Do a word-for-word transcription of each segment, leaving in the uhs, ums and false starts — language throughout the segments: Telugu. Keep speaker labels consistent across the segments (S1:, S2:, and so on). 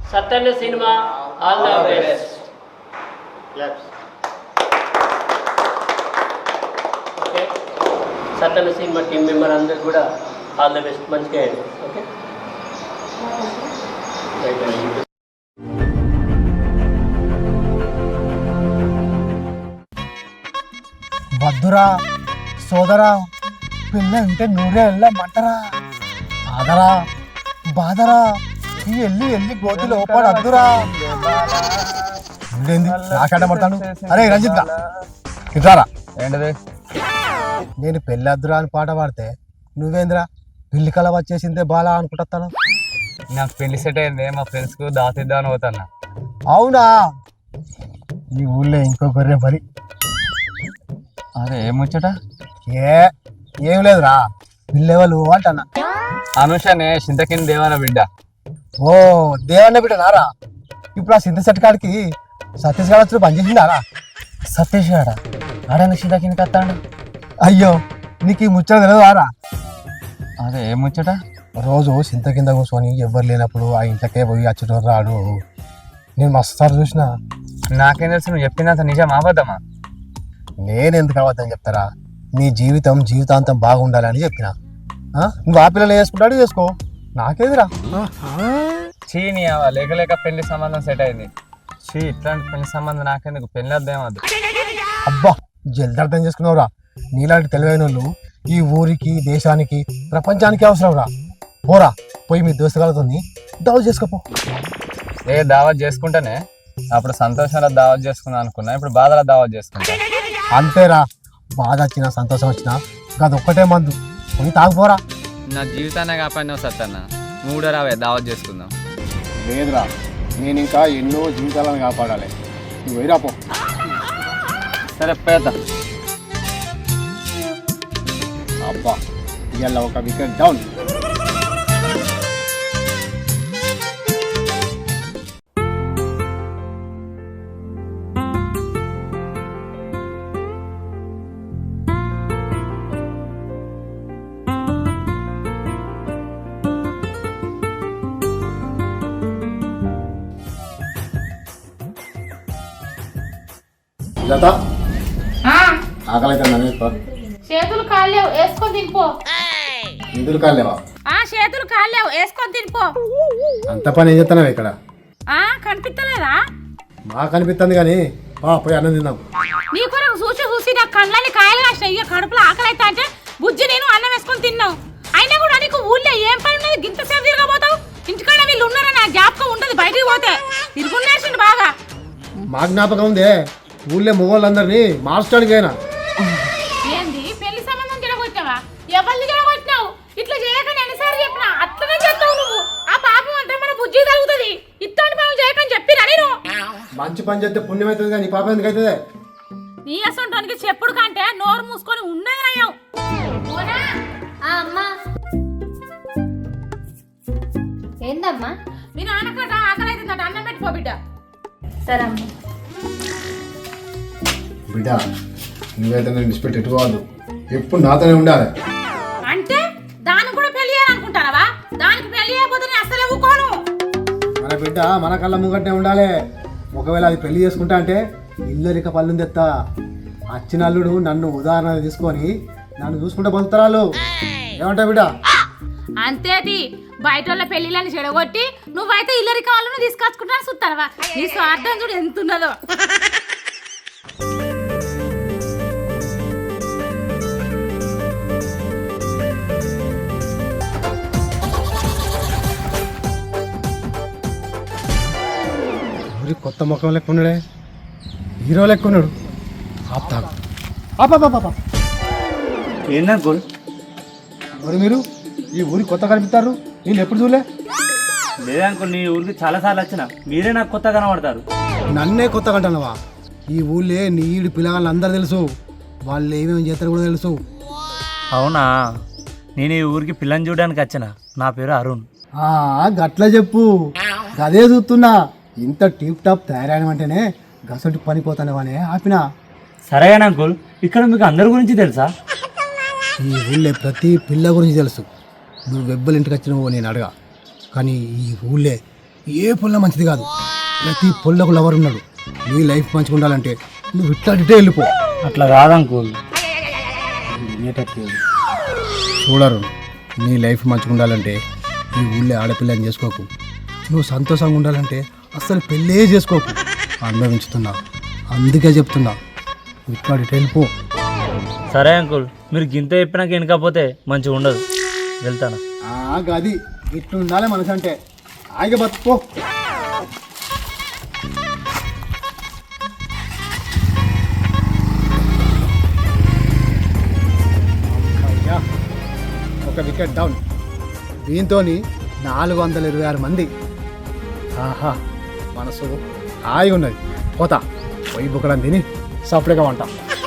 S1: Sattanna cinema all the best. Okay, Sattanna cinema team member అందరు కూడా ఆల్ ద బెస్ట్, మంచిగా అయ్యండి. ఓకే,
S2: వద్దురా సోదరా, పిల్ల ఉంటే నూరే వెళ్ళమంటరా, ఆదరా బాదరా, ఈ ఎల్లి ఎల్లి గోతి లోపల అద్దురా. నాకాట పడతాను. అరే రంజిత్ ఇట్లారా,
S3: ఏంటది?
S2: నేను పెళ్ళి అద్దురా అని పాట పాడితే నువ్వేంద్రా పిల్లి కల వచ్చేసిందే బాలా అనుకుంటాను.
S3: నాకు పెళ్లి సెట్ అయింది, మా ఫ్రెండ్స్ కు దాతిద్దామని పోతాను.
S2: అవునా, ఈ ఊళ్ళో ఇంకో గొర్రె మరి.
S3: అదే ఏమొచ్చట?
S2: ఏ ఏం లేదురా, పిల్లెవలు అంటన్నా.
S3: అనుషనే చింతకింది దేవాల బిడ్డ.
S2: ఓ దేవన్న బిడ్డ నారా. ఇప్పుడు ఆ సింత సెట్ కాడికి సతీష్ గారు వచ్చి పనిచేసిండారా? సతీష్ గారా ఆడని చింతకింది కత్తాడు. అయ్యో నీకు ఈ ముచ్చట తెలియదారా?
S3: అదే ఏమొచ్చట?
S2: రోజు సింత కింద కూర్చొని ఎవ్వరు లేనప్పుడు ఆ ఇంట్లోకే పోయి అచ్చుటోరు రాడు. నేను మస్తు సార్లు చూసిన.
S3: నాకేం తెలుసు, నువ్వు చెప్పినంత నిజం అబద్ధమా?
S2: నేను ఎందుకు అవ్వద్దని చెప్తారా? నీ జీవితం జీవితాంతం బాగుండాలని చెప్పిన. నువ్వు ఆ పిల్లలు వేసుకుంటాడు చేసుకో, నాకేదిరా.
S3: చీ నీ లేక లేక పెళ్లి సంబంధం సెట్ అయింది. చీ ఇట్లాంటి పెళ్లి సంబంధం నాకెందుకు, పెళ్లి అర్థమద్దు.
S2: అబ్బా జల్ది అర్థం చేసుకున్నావురా. నీలాంటి తెలివైన వాళ్ళు ఈ ఊరికి దేశానికి ప్రపంచానికి అవసరం రా. పోరా పోయి మీ దోస్తుగాలతో దావత్ చేసుకోపో.
S3: ఏ దావత్ చేసుకుంటేనే అప్పుడు సంతోషంలో దావత్ చేసుకుందాం అనుకున్నా, ఇప్పుడు బాధలో దావత్ చేసుకుంటా.
S2: అంతేరా, బాధ వచ్చినా సంతోషం వచ్చినా అది ఒక్కటే మందు, పోయి తాగిపోరా.
S3: నా జీవితాన్ని కాపాడినావు సత్తన్న, నువ్వు కూడా రావే దావత్ చేసుకుందాం.
S2: లేదురా, నేను ఇంకా ఎన్నో జీవితాలను కాపాడాలి. నువ్వు వేరాపో.
S3: సరే పేద.
S2: అబ్బా ఇవాళ ఒక వికెట్ డౌన్. లత ఆకలి అయితే నన్ను
S4: చేతులు కాలేవు వేసుకొని తినిపో.
S2: నిధులు కాలేవా?
S4: ఆ చేతులు కాలేవు వేసుకొని తినిపో.
S2: అంత పని ఏం చేస్తున్నావు ఇక్కడ?
S4: ఆ కనిపిస్తలేదా?
S2: మాకు కనిపిస్తుంది కానీ బా పోయి అన్నం తిందాం.
S4: నీ కొరకు చూసి చూసి నా కళ్ళని కాయలు కాసినాయి. ఇక కడుపులో ఆకలి అయితే అంటే బుజ్జి నేను అన్నం వేసుకొని తిన్నావు. అయినా కూడా నీకు ఊళ్ళో ఏం పని ఉన్నది? గింత సేపు తిరగబోతావు. ఇంటికాడ వీళ్ళు ఉన్నారని నా జ్ఞాపకం ఉండదు. బయటికి పోతే తిరుగునేసిండు బాగా.
S2: మా జ్ఞాపకం ఉందే, ఊళ్ళో మొగోళ్ళందరినీ మార్చడానికి అయినా.
S4: ఏంది పెళ్లి సంబంధం జరగొచ్చావా? ఎవరిని జరగొచ్చినావు? ఇట్లా చేయకని ఎన్నిసార్లు చెప్పినా అట్లనే చేస్తావు నువ్వు. ఆ పాపం అంతా మన బుజ్జి తగ్గుతుంది. ఇట్లాంటి పనులు చేయకని చెప్పినా నేను.
S2: మంచి పని చేస్తే పుణ్యం అవుతుంది కానీ పాపం ఎందుకు అవుతుంది?
S4: నీ అసంటానికి చెప్పుడు కంటే నోరు మూసుకొని ఉన్నది నయం.
S5: ఏందమ్మా?
S4: మీ నాన్నకట ఆకలి అవుతుందట, అన్నం పెట్టుకో బిడ్డ.
S5: సరే అమ్మ.
S2: బిడ్డ నువ్వైతే నేను విడిచిపెట్టి ఎట్టుకోవద్దు, ఎప్పుడు నాతోనే ఉండాలి.
S4: అంటే దానికి కూడా పెళ్లి చేయాలనుకుంటానవా? దానికి పెళ్లి అయిపోతే నేను అసలు ఊకోను.
S2: మన బిడ్డ మన కళ్ళ ముంగట్నే ఉండాలి. ఒకవేళ అది పెళ్లి చేసుకుంటా అంటే ఇల్లరిక పళ్ళు తెత్తా. అచ్చిన అల్లుడు నన్ను ఉదాహరణ తీసుకొని నన్ను చూసుకుంటే బతుకుతారు. ఏమంటా బిడ్డ?
S4: అంతేటి బయట వాళ్ళ పెళ్లిళ్ళని చెడగొట్టి నువ్వైతే ఇల్లరి కావాలను తీసుకొచ్చుకుంటా చూస్తావా? నీ స్వార్థం చూడు ఎంత ఉన్నదో.
S2: కొత్త ముఖం లెక్క ఉన్నాడే, హీరో లెక్క ఉన్నాడు. ఆపుతాడు.
S6: ఏందా గోల్?
S2: మరి మీరు ఈ ఊరికి కొత్త కనిపిస్తారు, నేను ఎప్పుడు చూడలే.
S6: లేదనుకో, నీ ఊరికి చాలా సార్లు వచ్చిన, మీరే నాకు కొత్త కనబడతారు.
S2: నన్నే కొత్త కంటున్నావా? ఈ ఊళ్ళే నీడు పిల్లగాళ్ళు అందరు తెలుసు, వాళ్ళు ఏమేమి చేస్తారు కూడా తెలుసు.
S6: అవునా? నేను ఈ ఊరికి పిల్లని చూడడానికి వచ్చిన. నా పేరు అరుణ్.
S2: గట్లా చెప్పు, గదే చూస్తున్నా. ఇంత టీప్ టాప్ తయారైనమంటేనే గసంటి పనిపోతానవనే ఆపిన.
S6: సరే అంకుల్, ఇక్కడ మీకు అందరి గురించి తెలుసా?
S2: ఈ ఊళ్ళే ప్రతి పిల్ల గురించి తెలుసు. నువ్వు వెబ్బల ఇంటికి వచ్చినావో నేను అడగా, కానీ ఈ ఊళ్ళే ఏ పొల్ల మంచిది కాదు. ప్రతి పొల్లకు లవర్ ఉన్నాడు. నీ లైఫ్ మంచిగా ఉండాలంటే నువ్వు ఇట్టాడిటే వెళ్ళిపో.
S6: అట్లా కాదంకుల్.
S2: చూడరు, నీ లైఫ్ మంచిగా ఉండాలంటే ఈ ఊళ్ళో ఆడపిల్లని చేసుకోకు. నువ్వు సంతోషంగా ఉండాలంటే అస్సలు పెళ్ళే చేసుకోకు. అనుభవించుతున్నా, అందుకే చెప్తున్నా, ఇట్టాడిటే వెళ్ళిపో.
S6: సరే అంకుల్, మీరు గింత చెప్పినాక వెనకపోతే మంచిగా ఉండదు. వెళ్తాను.
S2: గది ఇట్లు ఉండాలి మనసు అంటే. ఆగి బతుకో. ఒక వికెట్ డౌన్. దీంతో నాలుగు వందల ఇరవై ఆరు మంది. ఆహా, మనసు హాయిగా ఉన్నది. పోతా పోయి బుక్కడం తిని సపరేట్గా వంట.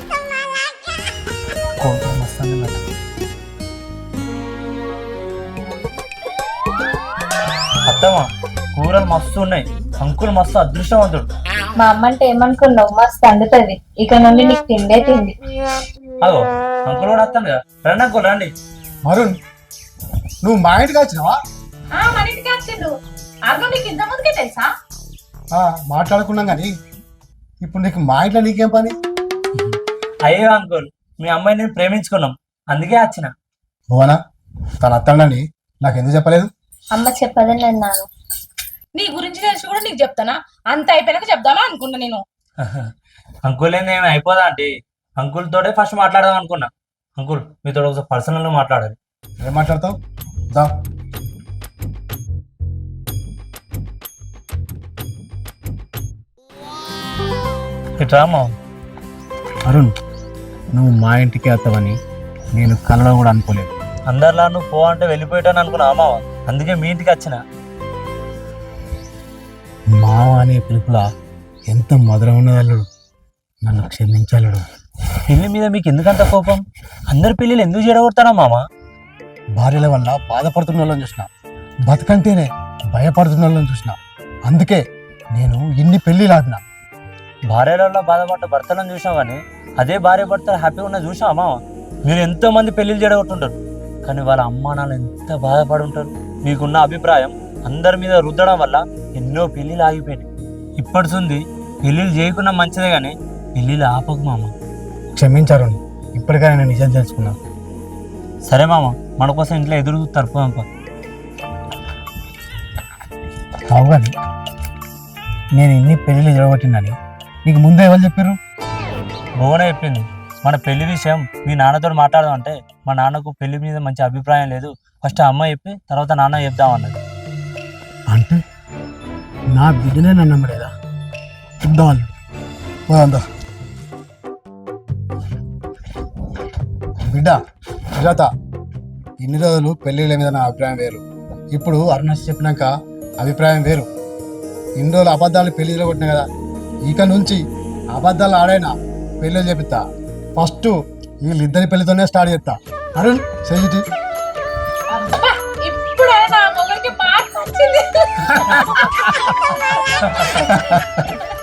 S6: అత్తమ్మా, కూరలు మస్తు ఉన్నాయి. అంకుల్ మస్తు అదృష్టవంతుడు.
S5: మా అమ్మ అంటే ఏమనుకున్నావు? మస్తు అందుతుంది. ఇక నుండి నీకు తిండే తిండి.
S6: అగో అంకుల్ కూడా వస్తాను కదా. రండి అంకుల్, రండి.
S2: మరుణ్, నువ్వు మా ఇంటికి వచ్చినావా?
S4: మన ఇంటికి వచ్చిండు. అర్థం నీకు ఇంత ముందుకే తెలుసా?
S2: మాట్లాడుకున్నాం కానీ ఇప్పుడు నీకు మా ఇంట్లో నీకేం పని?
S6: అయ్యో అంకుల్, మీ అమ్మాయిని నేను ప్రేమించుకున్నాం, అందుకే వచ్చిన.
S2: భువనా, తను అత్తండని నాకు ఎందుకు చెప్పలేదు?
S5: అమ్మ చెప్పదని అన్నాను.
S4: నీ గురించి తెలిసి కూడా నీకు చెప్తానా? అంత అయిపోయినాక చెప్దామా అనుకున్నా నేను.
S6: అంకుల్ ఏంది ఏమి అయిపోదా అంటే అంకుల్ తోటే ఫస్ట్ మాట్లాడదాం అనుకున్నా. అంకుల్ మీతో ఒకసారి పర్సనల్ గా మాట్లాడాలి.
S2: ఏం మాట్లాడతావు? దా.
S6: ఇట్రామా.
S2: అరుణ్, నువ్వు మా ఇంటికి వస్తావని నేను కలలో కూడా అనుకోలేదు.
S6: అందరిలా నువ్వు పో అంటే వెళ్ళిపోయాను అనుకున్నా మావ, అందుకే మీ ఇంటికి వచ్చిన.
S2: మావ అనే పిలుపుల ఎంత మధురం ఉన్నదల్లుడు, నన్ను క్షమించాలడు.
S6: పెళ్లి మీద మీకు ఎందుకంత కోపం? అందరి పెళ్ళిళ్ళు ఎందుకు చెడగొడతానా మామ?
S2: భార్యల వల్ల బాధపడుతున్న వాళ్ళని చూసిన, బతుకంటేనే భయపడుతున్న వాళ్ళని చూసిన, అందుకే నేను ఇన్ని పెళ్ళిళ్ళు ఆడినా.
S6: భార్యలలో బాధపడ్డ భర్తలను చూసాం కానీ అదే భార్య భర్తలు హ్యాపీగా ఉన్న చూసావా మామ? మీరు ఎంతో మంది పెళ్లిళ్ళు చెడగొట్టుంటారు, కానీ వాళ్ళ అమ్మా నాన్న ఎంత బాధపడి ఉంటారు. మీకున్న అభిప్రాయం అందరి మీద రుద్దడం వల్ల ఎన్నో పెళ్ళిళ్ళు ఆగిపోయినాయి. ఇప్పటిసుంది పెళ్ళిళ్ళు చేయకుండా మంచిదే కానీ పెళ్ళిళ్ళు ఆపకు మామ.
S2: క్షమించారు, ఇప్పటికైనా నేను నిజం తెలుసుకున్నా.
S6: సరే మామ, మన కోసం ఇంట్లో ఎదురు తరుపుదాంప.
S2: కావు కానీ నేను ఇన్ని పెళ్ళిళ్ళు జరగబట్టిందని నీకు ముందే ఎవరు చెప్పారు?
S6: భువనే చెప్పింది. మన పెళ్లి విషయం మీ నాన్నతో మాట్లాడదాం అంటే మా నాన్నకు పెళ్లి మీద మంచి అభిప్రాయం లేదు, ఫస్ట్ అమ్మ చెప్పి తర్వాత నాన్న చెప్దామన్నది.
S2: అంటే నా బిడ్డనే నన్ను నమ్మలేదా? చూద్దాం పోదా బిడ్డ. సుజాత, ఇన్ని రోజులు పెళ్ళిళ్ళ మీద నా అభిప్రాయం వేరు, ఇప్పుడు అరుణాచల్ చెప్పినాక అభిప్రాయం వేరు. ఇన్ని రోజులు అబద్ధాలు పెళ్లిలో కొట్టినా కదా, ఇక నుంచి అబద్ధాలు ఆడైనా పెళ్ళిళ్ళు చెప్తా. ఫస్ట్ వీళ్ళిద్దరి పెళ్లితోనే స్టార్ట్ చేస్తా. అరుణ్ చెయ్యి.
S4: ఇప్పుడు నా మొగలికి మార్పు వచ్చింది.